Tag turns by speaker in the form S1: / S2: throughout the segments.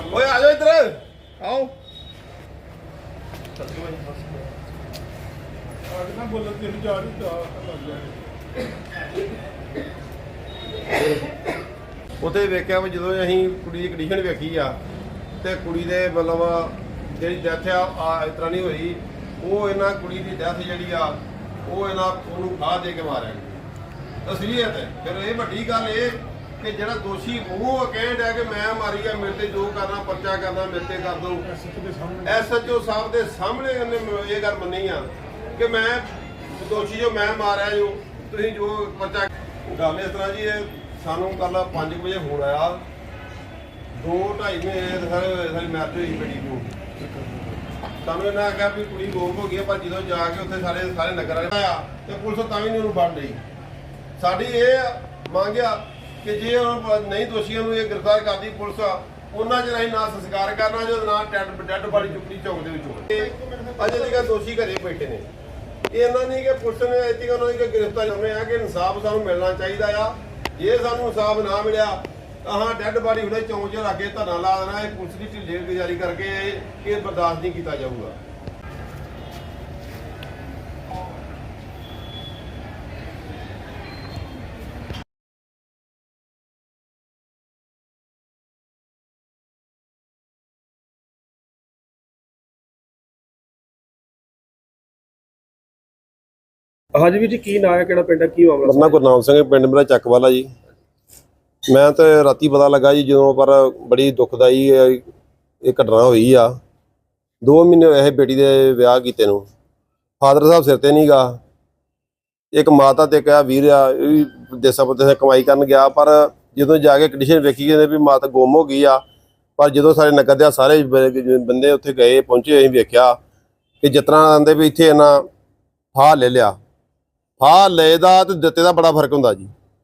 S1: ਓਏ ਆ ਜਾਓ ਇੱਧਰ ਆਓ। ਉੱਥੇ ਵੇਖਿਆ ਵੀ ਜਦੋਂ ਅਸੀਂ ਕੁੜੀ ਦੀ ਕੰਡੀਸ਼ਨ ਵੇਖੀ ਆ ਤੇ ਕੁੜੀ ਦੇ ਮਤਲਬ ਜਿਹੜੀ ਡੈਥ ਆ ਇਸ ਤਰ੍ਹਾਂ ਨਹੀਂ ਹੋਈ। ਉਹ ਇਹਨਾਂ ਕੁੜੀ ਦੀ ਡੈਥ ਜਿਹੜੀ ਆ ਉਹ ਉਹਨੂੰ ਫਾਹ ਦੇ ਕੇ ਮਾਰਿਆ ਗਿਆ ਅਸਲੀਅਤ ਹੈ। ਫਿਰ ਇਹ ਵੱਡੀ ਗੱਲ ਇਹ ਕਿ ਜਿਹੜਾ ਦੋਸ਼ੀ ਉਹ ਕਹਿਣ ਡਿਆ ਕਿ ਮੈਂ ਮਾਰੀ ਆ, ਮੇਰੇ ਤੇ ਜੋ ਕਰਨਾ ਪਰਚਾ ਕਰਨਾ ਮੇਰੇ ਤੇ ਕਰ ਦੋ। SHO ਸਾਹਿਬ ਦੇ ਸਾਹਮਣੇ ਉਹਨੇ ਇਹ ਗੱਲ ਮੰਨੀ ਆ ਕਿ ਮੈਂ ਦੋਸ਼ੀ ਜੋ ਮੈਂ ਮਾਰਿਆ ਜੋ ਤੁਸੀਂ ਜੋ ਪਰਚਾ। ਗੱਲ ਇਸ ਤਰ੍ਹਾਂ ਜੀ ਇਹ ਸਾਨੂੰ ਕੱਲ 5 ਵਜੇ ਫੋਨ ਆਇਆ 2-2.5 ਮਹੀਨੇ ਸਾਡੀ ਮੈਰਿਜ ਹੋਈ ਬੇਟੀ ਨੂੰ। ਸਾਨੂੰ ਇਹਨਾਂ ਆਖਿਆ ਵੀ ਕੁੜੀ ਗੋਮ ਹੋ ਗਈ ਪਰ ਜਦੋਂ ਜਾ ਕੇ ਉੱਥੇ ਸਾਰੇ ਨਗਰ ਆਇਆ ਤੇ ਪੁਲਿਸ ਤਾਂ ਵੀ ਨਹੀਂ ਉਹਨੂੰ ਫੜ ਲਈ। ਸਾਡੀ ਇਹ ਮੰਗ ਆ ਕਿ ਜੇ ਨਹੀਂ ਦੋਸ਼ੀਆਂ ਨੂੰ ਇਹ ਗ੍ਰਿਫਤਾਰ ਕਰਦੀ ਪੁਲਿਸ ਉਹਨਾਂ ਚਿਰ ਅਸੀਂ ਨਾ ਸੰਸਕਾਰ ਕਰਨਾ ਜੋ ਨਾ ਡੈਡ ਬਾਡੀ ਚੁੱਕਣੀ ਚੌਂਕ ਦੇ ਵਿੱਚੋਂ। ਅਜੇ ਤੱਕ ਦੋਸ਼ੀ ਘਰੇ ਬੈਠੇ ਨੇ। ਇਹ ਇਹਨਾਂ ਨਹੀਂ ਕਿ ਪੁਲਿਸ ਨੇ ਇੱਥੇ ਉਹਨਾਂ ਦੀ ਗ੍ਰਿਫਤਾਰੀ ਕਰਨੇ ਆ ਕਿ ਇਨਸਾਫ ਸਾਨੂੰ ਮਿਲਣਾ ਚਾਹੀਦਾ ਆ। ਜੇ ਸਾਨੂੰ ਇਨਸਾਫ ਨਾ ਮਿਲਿਆ ਤਾਂ ਹਾਂ ਡੈਡ ਬਾਡੀ ਹੁਣੇ ਚੌਂਕ 'ਚ ਰੱਖ ਕੇ ਧਰਨਾ ਲਾ ਦੇਣਾ। ਇਹ ਪੁਲਿਸ ਦੀ ਢਿੱਲੇ ਗੁਜ਼ਾਰੀ ਕਰਕੇ ਇਹ ਬਰਦਾਸ਼ਤ ਨਹੀਂ ਕੀਤਾ ਜਾਊਗਾ।
S2: ਹਾਂਜੀ ਵੀਰ ਜੀ, ਕੀ ਨਾਂ ਹੈ, ਕਿਹੜਾ ਪਿੰਡ ਹੈ, ਕੀ ਮਾਮਲਾ?
S1: ਮੇਰਾ ਗੁਰਨਾਮ ਸਿੰਘ, ਪਿੰਡ ਮੇਰਾ ਚੱਕਵਾਲਾ ਜੀ। ਮੈਂ ਤਾਂ ਰਾਤੀ ਪਤਾ ਲੱਗਾ ਜੀ ਜਦੋਂ, ਪਰ ਬੜੀ ਦੁਖਦਾਈ ਇਹ ਘਟਨਾ ਹੋਈ ਆ। 2 ਮਹੀਨੇ ਹੋਏ ਇਹ ਬੇਟੀ ਦੇ ਵਿਆਹ ਕੀਤੇ ਨੂੰ। ਫਾਦਰ ਸਾਹਿਬ ਸਿਰ ਤੇ ਨਹੀਂ ਗਾ। ਇੱਕ ਮਾਤਾ ਤੇ ਕਿਹਾ ਵੀਰ ਆ ਇਹ ਵੀ ਦੇਸਾਂ ਪਰਦੇਸਾਂ ਕਮਾਈ ਕਰਨ ਗਿਆ, ਪਰ ਜਦੋਂ ਜਾ ਕੇ ਕੰਡੀਸ਼ਨ ਵੇਖੀ ਕਹਿੰਦੇ ਵੀ ਮਾਤਾ ਗੁੰਮ ਹੋ ਗਈ ਆ। ਪਰ ਜਦੋਂ ਸਾਡੇ ਨਗਰ ਦੇ ਸਾਰੇ ਬੰਦੇ ਉੱਥੇ ਗਏ ਪਹੁੰਚੇ, ਅਸੀਂ ਵੇਖਿਆ ਕਿ ਜਿਸ ਤਰ੍ਹਾਂ ਆਂਦੇ ਵੀ ਇੱਥੇ ਇਹਨਾਂ ਫਾਹ ਲੈ ਲਿਆ। ਫਾਹ ਲਏ ਦਾ ਤੇ ਦਿੱਤੇ ਦਾ ਬੜਾ ਫਰਕ ਹੁੰਦਾ ਜੀ।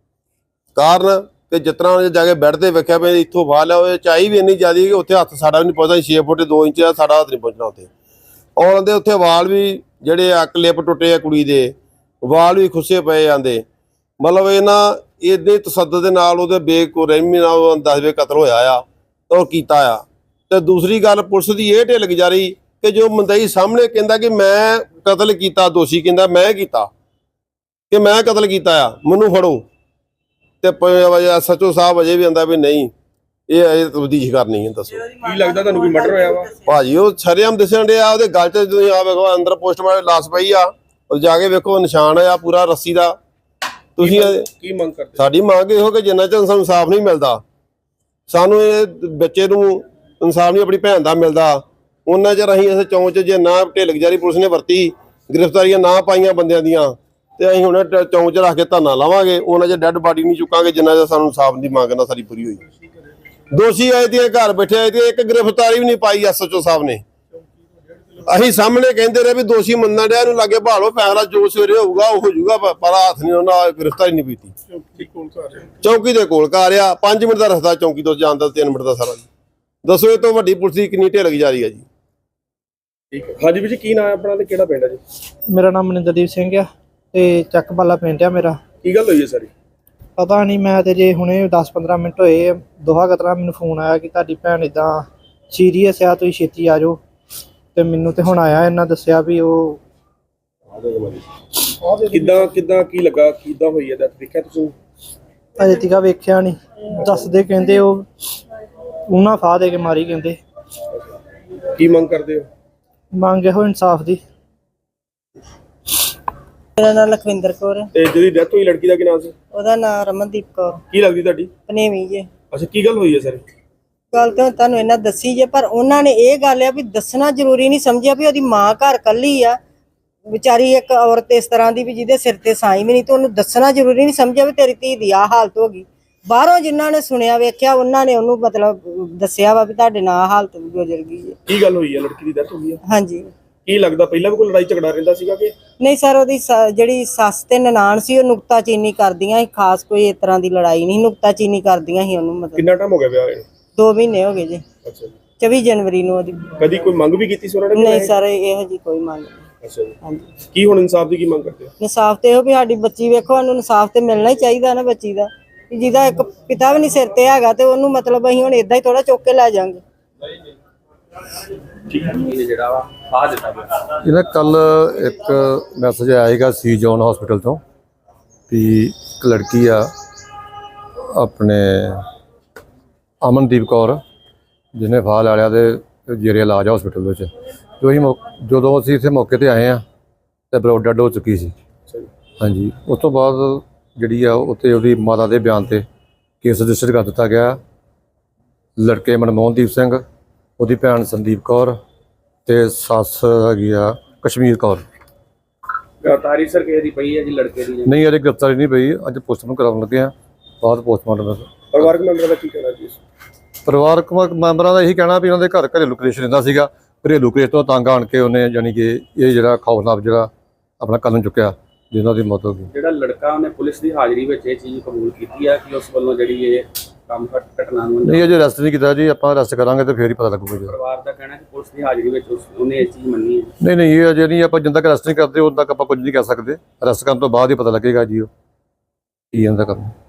S1: ਕਾਰਨ ਕਿ ਜਿਸ ਤਰ੍ਹਾਂ ਜਾ ਕੇ ਬੈੱਡ ਤੇ ਵੇਖਿਆ ਵੀ ਇੱਥੋਂ ਫਾਹ ਲਿਆ, ਉਹ ਚਾਈ ਵੀ ਇੰਨੀ ਜ਼ਿਆਦਾ ਕਿ ਉੱਥੇ ਹੱਥ ਸਾਡਾ ਵੀ ਨਹੀਂ ਪਹੁੰਚਦਾ। 6 ਫੁੱਟ 2 ਇੰਚ ਦਾ ਸਾਡਾ ਹੱਥ ਨਹੀਂ ਪਹੁੰਚਣਾ ਉੱਥੇ। ਔਰ ਉਹਦੇ ਉੱਥੇ ਵਾਲ ਵੀ ਜਿਹੜੇ ਕਲਿੱਪ ਟੁੱਟੇ ਆ ਕੁੜੀ ਦੇ, ਵਾਲ ਵੀ ਖੁੱਸੇ ਪਏ ਜਾਂਦੇ। ਮਤਲਬ ਇਹਨਾਂ ਇਹਦੇ ਤਸੱਦਦ ਦੇ ਨਾਲ ਉਹਦੇ ਬੇਰਹਿਮੀ ਨਾਲ 10ਵੇਂ ਕਤਲ ਹੋਇਆ ਆ ਔਰ ਕੀਤਾ ਆ। ਤੇ ਦੂਸਰੀ ਗੱਲ ਪੁਲਿਸ ਦੀ ਇਹ ਢਿੱਲ ਗੁਜ਼ਾਰੀ ਕਿ ਜੋ ਮੁੰਦਈ ਸਾਹਮਣੇ ਕਹਿੰਦਾ ਕਿ ਮੈਂ ਕਤਲ ਕੀਤਾ, ਦੋਸ਼ੀ ਕਹਿੰਦਾ ਮੈਂ ਕੀਤਾ, ਕਿ ਮੈਂ ਕਤਲ ਕੀਤਾ ਆ, ਮੈਨੂੰ ਫੜੋ। ਤੇ SHO ਸਾਹਿਬ ਅਜੇ ਵੀ ਆਂਦਾ ਵੀ ਨਹੀਂ ਇਹ ਤਬਦੀਸ਼ ਕਰਨੀ ਹੈ। ਦੱਸੋ
S2: ਕੀ ਲੱਗਦਾ ਤੁਹਾਨੂੰ ਕੋਈ ਮਰਡਰ ਹੋਇਆ ਵਾ?
S1: ਭਾਜੀ ਉਹ ਸ਼ਰੇਆਮ ਦਿਸਣ ਡਿਆ, ਉਹਦੇ ਗਲ 'ਚ ਤੁਸੀਂ ਆ ਵੇਖੋ ਅੰਦਰ ਪੋਸਟਮਾਰਟਮ ਲਾਸ਼ ਪਈ ਆ, ਉਹ ਜਾ ਕੇ ਵੇਖੋ ਨਿਸ਼ਾਨ ਆ ਪੂਰਾ ਰੱਸੀ ਦਾ। ਤੁਸੀਂ
S2: ਕੀ ਮੰਗ ਕਰਦੇ?
S1: ਸਾਡੀ ਮੰਗ ਇਹੋ ਕਿ ਜਿੰਨਾ ਚਿਰ ਸਾਨੂੰ ਇਨਸਾਫ ਨਹੀਂ ਮਿਲਦਾ, ਸਾਨੂੰ ਇਹ ਬੱਚੇ ਨੂੰ ਇਨਸਾਫ ਨਹੀਂ ਆਪਣੀ ਭੈਣ ਦਾ ਮਿਲਦਾ, ਉਹਨਾਂ ਚਿਰ ਅਸੀਂ ਇਸ ਚੌਂਕ 'ਚ ਜੇ ਨਾ ਢਿੱਲ ਗੁਜ਼ਾਰੀ ਪੁਲਿਸ ਨੇ ਵਰਤੀ, ਗ੍ਰਿਫਤਾਰੀਆਂ ਨਾ ਪਾਈਆਂ ਬੰਦਿਆਂ ਦੀਆਂ, ਤੇ ਅਸੀਂ ਹੁਣ ਚੌਂਕ 'ਚ ਰੱਖ ਕੇ ਧਰਨਾ ਲਾਵਾਂਗੇ। ਉਹਨਾਂ 'ਚ ਡੈਡ ਬਾਡੀ ਨਹੀਂ ਚੁੱਕਾਂਗੇ ਜਿੰਨਾ ਚਿਰ ਸਾਨੂੰ ਇਨਸਾਫ ਦੀ ਮੰਗ ਨਾ ਸਾਡੀ ਪੂਰੀ ਹੋਈ। ਦੋਸ਼ੀ ਆਏ ਤੇ ਘਰ ਬੈਠੇ ਆਏ ਤੇ ਇੱਕ ਗ੍ਰਿਫਤਾਰੀ ਵੀ ਨਹੀਂ ਪਾਈ SHO ਸਾਹਿਬ ਨੇ। ਅਸੀਂ ਸਾਹਮਣੇ ਕਹਿੰਦੇ ਰਹੇ ਵੀ ਦੋਸ਼ੀ ਮੰਨਣ ਡਿਆ, ਇਹਨੂੰ ਲਾਗੇ ਭਾਲੋ, ਫੈਸਲਾ ਜੋ ਸਵੇਰੇ ਹੋਊਗਾ ਉਹ ਹੋ ਜਾਊਗਾ, ਪਰ ਹੱਥ ਨਹੀਂ ਉਹਨਾਂ ਗ੍ਰਿਫਤਾਰੀ ਨਹੀਂ ਪੀਤੀ। ਚੌਂਕੀ ਦੇ ਕੋਲ ਘਰ ਆ, 5 ਮਿੰਟ ਦਾ ਰਸਤਾ ਚੌਂਕੀ ਤੋਂ ਜਾਣ ਦਾ, 3 ਮਿੰਟ ਦਾ ਸਾਰਾ। ਦੱਸੋ ਇਹ ਤੋਂ ਵੱਡੀ ਪੁਲਿਸ ਦੀ ਕਿੰਨੀ ਢਿੱਲ ਗੁਜ਼ਾਰੀ ਆ ਜੀ।
S2: ਠੀਕ ਹੈ। ਹਾਂਜੀ ਵੀਰ ਜੀ, ਕੀ ਨਾਂ ਹੈ ਆਪਣਾ ਤੇ ਕਿਹੜਾ ਪਿੰਡ ਹੈ ਜੀ?
S3: ਮੇਰਾ ਨਾਮ ਮਨਿੰਦਰਦੀਪ ਸਿੰਘ ਆ ਤੇ ਚੱਕਵਾਲਾ ਪਿੰਡ ਆ ਮੇਰਾ।
S2: ਕੀ ਗੱਲ ਹੋਈ ਹੈ ਸਾਰੀ?
S3: ਪਤਾ ਨਹੀਂ, ਮੈਂ ਤੇ ਜੇ ਹੁਣੇ 10-15 ਮਿੰਟ ਹੋਏ ਦੋਹਾ ਕਤਰਾ ਮੈਨੂੰ ਫੋਨ ਆਇਆ ਕਿ ਤੁਹਾਡੀ ਭੈਣ ਇਦਾਂ ਸੀਰੀਅਸ ਆ, ਤੁਸੀਂ ਛੇਤੀ ਆ ਜਾਓ। ਤੇ ਮੈਨੂੰ ਤੇ ਹੁਣ ਆਇਆ, ਇਹਨਾਂ ਦੱਸਿਆ ਵੀ ਉਹ
S2: ਕਿੱਦਾਂ ਕੀ ਲੱਗਾ, ਕਿੱਦਾਂ ਹੋਈ ਹੈ? ਦੇਖਿਆ ਤੁਸੀਂ?
S3: ਅਜੇ ਤੀਕਾ ਵੇਖਿਆ ਨਹੀਂ, ਦੱਸਦੇ ਕਹਿੰਦੇ ਉਹ ਉਹਨਾਂ ਫਾਹ ਦੇ ਕੇ ਮਾਰੀ ਕਹਿੰਦੇ।
S2: ਕੀ ਮੰਗ ਕਰਦੇ ਹੋ?
S3: ਮੰਗ ਇਹੋ ਇਨਸਾਫ ਦੀ।
S4: ਮੇਰਾ ਨਾਮ ਲਖਵਿੰਦਰ ਕੌਰ ਹੈ।
S2: ਤੇ ਜਿਹੜੀ ਡੈਥ ਹੋਈ ਲੜਕੀ ਦਾ ਕੀ ਨਾਮ ਸੀ?
S4: ਉਹਦਾ ਨਾਮ ਰਮਨਦੀਪ ਕੌਰ।
S2: ਕੀ ਲੱਗਦੀ ਤੁਹਾਡੀ?
S4: ਪਨੇਵੀ ਜੇ।
S2: ਅੱਛਾ, ਕੀ ਗੱਲ ਹੋਈ ਹੈ ਸਰ?
S4: ਗੱਲ ਤਾਂ ਤੁਹਾਨੂੰ ਇਹਨਾਂ ਦੱਸੀ ਜੇ, ਪਰ ਉਹਨਾਂ ਨੇ ਇਹ ਗੱਲ ਆ ਵੀ ਦੱਸਣਾ ਜ਼ਰੂਰੀ ਨਹੀਂ ਸਮਝਿਆ ਵੀ ਉਹਦੀ ਮਾਂ ਘਰ ਕੱਲੀ ਆ ਵਿਚਾਰੀ, ਇੱਕ ਔਰਤ ਇਸ ਤਰ੍ਹਾਂ ਦੀ ਵੀ ਜਿਹਦੇ ਸਿਰ ਤੇ ਸਾਈ ਵੀ ਨਹੀਂ, ਤੇ ਉਹਨੂੰ ਦੱਸਣਾ ਜ਼ਰੂਰੀ ਨਹੀਂ ਸਮਝਿਆ ਵੀ ਤੇਰੀ ਧੀ ਦੀ ਆਹ ਹਾਲਤ ਹੋ ਗਈ। ਬਾਹਰੋਂ ਜਿਨ੍ਹਾਂ ਨੇ ਸੁਣਿਆ ਵੇਖਿਆ ਉਹਨਾਂ ਨੇ ਉਹਨੂੰ ਮਤਲਬ ਦੱਸਿਆ ਵਾ ਵੀ ਤੁਹਾਡੇ ਨਾਲ ਆਹ ਹਾਲਤ ਗੁਜ਼ਰ ਗਈ ਹੈ।
S2: ਕੀ ਗੱਲ ਹੋਈ ਹੈ? ਲੜਕੀ ਦੀ ਡੈਥ ਹੋਈ ਹੈ?
S4: ਹਾਂਜੀ।
S2: ਕੀ ਲੱਗਦਾ ਪਹਿਲਾਂ ਵੀ ਕੋਈ ਲੜਾਈ ਝਗੜਾ ਰਹਿੰਦਾ ਸੀਗਾ ਕਿ
S4: ਨਹੀਂ ਸਰ, ਉਹਦੀ ਜਿਹੜੀ ਸੱਸ ਤੇ ਨਨਾਣ ਸੀ ਉਹ ਨੁਕਤਾਚੀਨੀ ਕਰਦੀਆਂ ਸੀ, ਖਾਸ ਕੋਈ ਇਸ ਤਰ੍ਹਾਂ ਦੀ ਲੜਾਈ ਨਹੀਂ, ਨੁਕਤਾਚੀਨੀ ਕਰਦੀਆਂ ਸੀ ਉਹਨੂੰ। ਮਤਲਬ
S2: ਕਿੰਨਾ ਟਾਈਮ ਹੋ ਗਿਆ ਵਿਆਹ ਨੂੰ?
S4: 2 ਮਹੀਨੇ ਹੋ ਗਏ ਜੀ।
S2: ਅੱਛਾ ਜੀ।
S4: 24 ਜਨਵਰੀ ਨੂੰ ਉਹਦੀ।
S2: ਕਦੀ ਕੋਈ ਮੰਗ ਵੀ ਕੀਤੀ ਸੀ ਉਹਨਾਂ ਨੇ?
S4: ਨਹੀਂ ਸਰ, ਇਹੋ ਜੀ ਕੋਈ ਮੰਗ ਨਹੀਂ।
S2: ਅੱਛਾ ਜੀ।
S4: ਹਾਂਜੀ।
S2: ਕੀ ਹੁਣ ਇਨਸਾਫ ਦੀ ਕੀ ਮੰਗ ਕਰਦੇ ਹੋ?
S4: ਇਨਸਾਫ ਤੇ ਇਹੋ ਵੀ ਸਾਡੀ ਬੱਚੀ ਵੇਖੋ, ਉਹਨੂੰ ਇਨਸਾਫ ਤੇ ਮਿਲਣਾ ਹੀ ਚਾਹੀਦਾ ਨਾ ਬੱਚੀ ਦਾ। ਜਿਹਦਾ ਇੱਕ ਪਿਤਾ ਵੀ ਨਹੀਂ ਸਿਰ ਤੇ ਹੈਗਾ ਤੇ ਉਹਨੂੰ ਮਤਲਬ ਅਸੀਂ ਹੁਣ ਏਦਾਂ ਹੀ ਥੋੜਾ ਚੁੱਕ ਕੇ ਲੈ ਜਾਾਂਗੇ।
S2: ਜਿਹੜਾ ਵਾ ਆ ਦਿੱਤਾ ਗਿਆ।
S5: ਇਹਨਾਂ ਕੱਲ ਇੱਕ ਮੈਸੇਜ ਆਇਆ ਸੀਗਾ ਸੀ ਜੋਨ ਹਸਪੀਟਲ ਤੋਂ ਵੀ ਇੱਕ ਲੜਕੀ ਆ ਆਪਣੇ ਅਮਨਦੀਪ ਕੌਰ ਜਿਹਨੇ ਫਾਹ ਲੈ ਲਿਆ ਤੇ ਜੇਰੇ ਇਲਾਜ ਹਸਪੀਟਲ ਦੇ ਵਿੱਚ। ਜਦੋਂ ਅਸੀਂ ਇੱਥੇ ਮੌਕੇ ਤੇ ਆਏ ਆ ਤੇ ਬਲੱਡ ਡੈਡ ਹੋ ਚੁੱਕੀ ਸੀ। ਹਾਂਜੀ, ਉਸ ਤੋਂ ਬਾਅਦ ਜਿਹੜੀ ਆ ਉੱਥੇ ਉਹਦੀ ਮਾਤਾ ਦੇ ਬਿਆਨ ਤੇ ਕੇਸ ਰਜਿਸਟਰ ਕਰ ਦਿੱਤਾ ਗਿਆ। ਲੜਕੇ ਮਨਮੋਹਨਦੀਪ ਸਿੰਘ, ਉਹਦੀ ਭੈਣ ਸੰਦੀਪ ਕੌਰ ਤੇ ਸੱਸ ਹੈਗੀ ਆ ਕਸ਼ਮੀਰ ਕੌਰ।
S2: ਗ੍ਰਿਫਤਾਰੀ ਸਰ ਕਿਸੇ ਦੀ ਪਈ ਹੈ ਜੀ ਲੜਕੇ ਦੀ?
S5: ਨਹੀਂ, ਅਜੇ ਗ੍ਰਿਫਤਾਰੀ ਨਹੀਂ ਪਈ। ਅੱਜ ਪੋਸਟਮਾਰਟਮ ਕਰਾਉਣ ਲੱਗੇ ਆ, ਬਾਅਦ ਪੋਸਟਮਾਰਟਮ ਦਾ।
S2: ਪਰਿਵਾਰਕ ਮੈਂਬਰਾਂ ਦਾ ਕੀ ਕਹਿਣਾ ਜੀ?
S5: ਪਰਿਵਾਰਕ ਮੈਂਬਰਾਂ ਦਾ ਇਹੀ ਕਹਿਣਾ ਵੀ ਉਹਨਾਂ ਦੇ ਘਰ ਘਰੇਲੂ ਕਲੇਸ਼ ਰਹਿੰਦਾ ਸੀਗਾ। ਘਰੇਲੂ ਕਲੇਸ਼ ਤੋਂ ਤੰਗ ਆਣ ਕੇ ਉਹਨੇ ਯਾਨੀ ਕਿ ਇਹ ਜਿਹੜਾ ਖੌਫਨਾਕ ਜਿਹੜਾ ਆਪਣਾ ਕਦਮ ਚੁੱਕਿਆ ਜਿਹਨਾਂ ਦੀ ਮੌਤ ਹੋ ਗਈ।
S2: ਜਿਹੜਾ ਲੜਕਾ ਉਹਨੇ ਪੁਲਿਸ ਦੀ ਹਾਜ਼ਰੀ ਵਿੱਚ ਇਹ ਚੀਜ਼ ਕਬੂਲ ਕੀਤੀ ਹੈ ਕਿ ਉਸ ਵੱਲੋਂ ਜਿਹੜੀ ਇਹ ਕੰਮ ਘਟਨਾ ਨੂੰ
S5: ਨਹੀਂ, ਅਜੇ ਅਰੈਸਟ ਨਹੀਂ ਕੀਤਾ ਜੀ। ਆਪਾਂ ਅਰੈਸਟ ਕਰਾਂਗੇ ਤੇ ਫੇਰ ਹੀ ਪਤਾ ਲੱਗੂਗਾ ਜੀ।
S2: ਪਰਿਵਾਰ ਦਾ ਕਹਿਣਾ ਕਿ ਪੁਲਿਸ ਦੀ ਹਾਜ਼ਰੀ ਵਿੱਚ ਉਹਨੇ ਇਹ ਚੀਜ਼ ਮੰਨੀ ਹੈ।
S5: ਨਹੀਂ ਨਹੀਂ, ਇਹ ਅਜੇ ਨਹੀਂ। ਆਪਾਂ ਜਿੰਨਾ ਤੱਕ ਅਰੈਸਟ ਨਹੀਂ ਕਰਦੇ ਉਦੋਂ ਤੱਕ ਆਪਾਂ ਕੁਝ ਨਹੀਂ ਕਹਿ ਸਕਦੇ। ਅਰੈਸਟ ਕਰਨ ਤੋਂ ਬਾਅਦ ਹੀ ਪਤਾ ਲੱਗੇਗਾ ਜੀ ਉਹ ਕੀ ਇਹਨਾਂ ਦਾ ਕੰਮ।